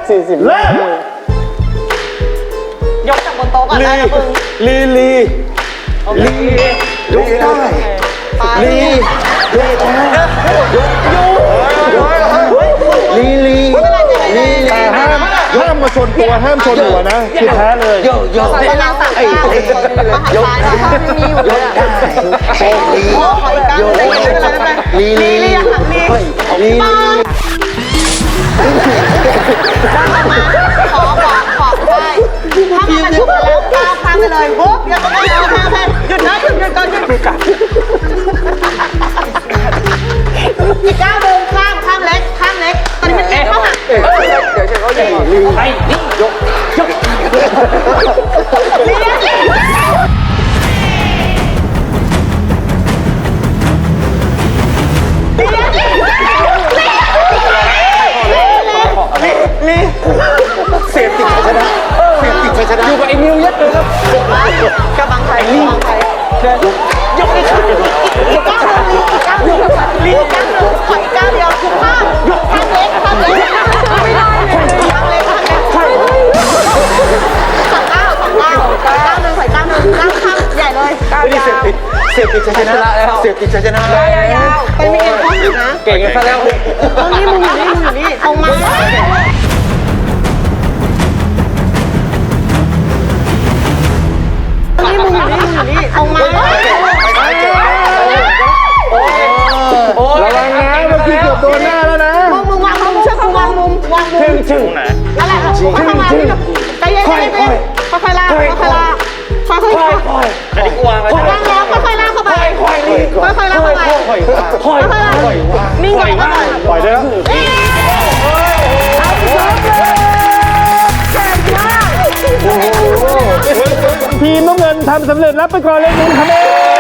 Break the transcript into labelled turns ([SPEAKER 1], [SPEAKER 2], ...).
[SPEAKER 1] 40 เริ่ม
[SPEAKER 2] ยกจากบนโต๊ะก่อนได้นะมึง
[SPEAKER 1] ลี
[SPEAKER 3] ยกได้
[SPEAKER 1] ลี แต่ห้ามมาชนตัวห้ามชนหัวนะคือแพ้เลย
[SPEAKER 3] โยก
[SPEAKER 2] ประมาณ3 ก้าวมหาซ้ายถ้าไม่มีอยู่เลยอะ
[SPEAKER 3] โชคดี
[SPEAKER 2] โอ้ขออีกก้าวหนึ่งไม่เป็นไรไม่เป็นไรลียังหักลีปังขอได้ถ้ามันฉุกแล้วก้าวข้ามไปเลยปุ๊บอย่าต้องเอาข้ามให้หยุดนะหยุดก่อนหยุดอีกก้าวหนึ่งข้ามเล็กตอนนี้มันเล็กเข้าหักเดี๋ยวเขาใหญ่ไปนี่ยก
[SPEAKER 1] เสียบติดชัยชนะอยู่กับไอ้นิวยัดเลยครับ
[SPEAKER 2] กระบังไทยยกนี่ค่ะอีกก้าวหนึ่งขออีกก้าวเดียวคือข้ามเล็กไม่ได้ข้ามเล็ก2 ก้าวก้าวหนึ่งใส่ก้าวหนึ่งก้าวข้ามใหญ่เลยก้าวยาว
[SPEAKER 1] เสียบติดชัยชนะแล้วเสียบติดชัยชนะแล้ว
[SPEAKER 2] ยาวไปมีเอ็นข้อหักนะ
[SPEAKER 1] เก่งกันซะแล้ว
[SPEAKER 2] ตรงนี้มึงอยู่นี่ตรงมาตรงนี้มึงอยู่นี่ตรงมา
[SPEAKER 1] ระวังนะเมื่อกี้เกือบโดนหน้าแล้วนะ
[SPEAKER 2] มึงวางมุมเชื่อกูวางมุม
[SPEAKER 1] ชึ่งไหน
[SPEAKER 2] นั่นแหละเข้ามาใจเย็นค่อยๆลากค่อยๆลากอันนี้กูวางแล้วค่อยๆลากเข้าไปค่อยๆลากเข้าไปนิ่งก่อน
[SPEAKER 1] ปล่อยได้แล้วทีมน้ำเงินทำสำเร็จรับไปก่อนเลย1 คะแนน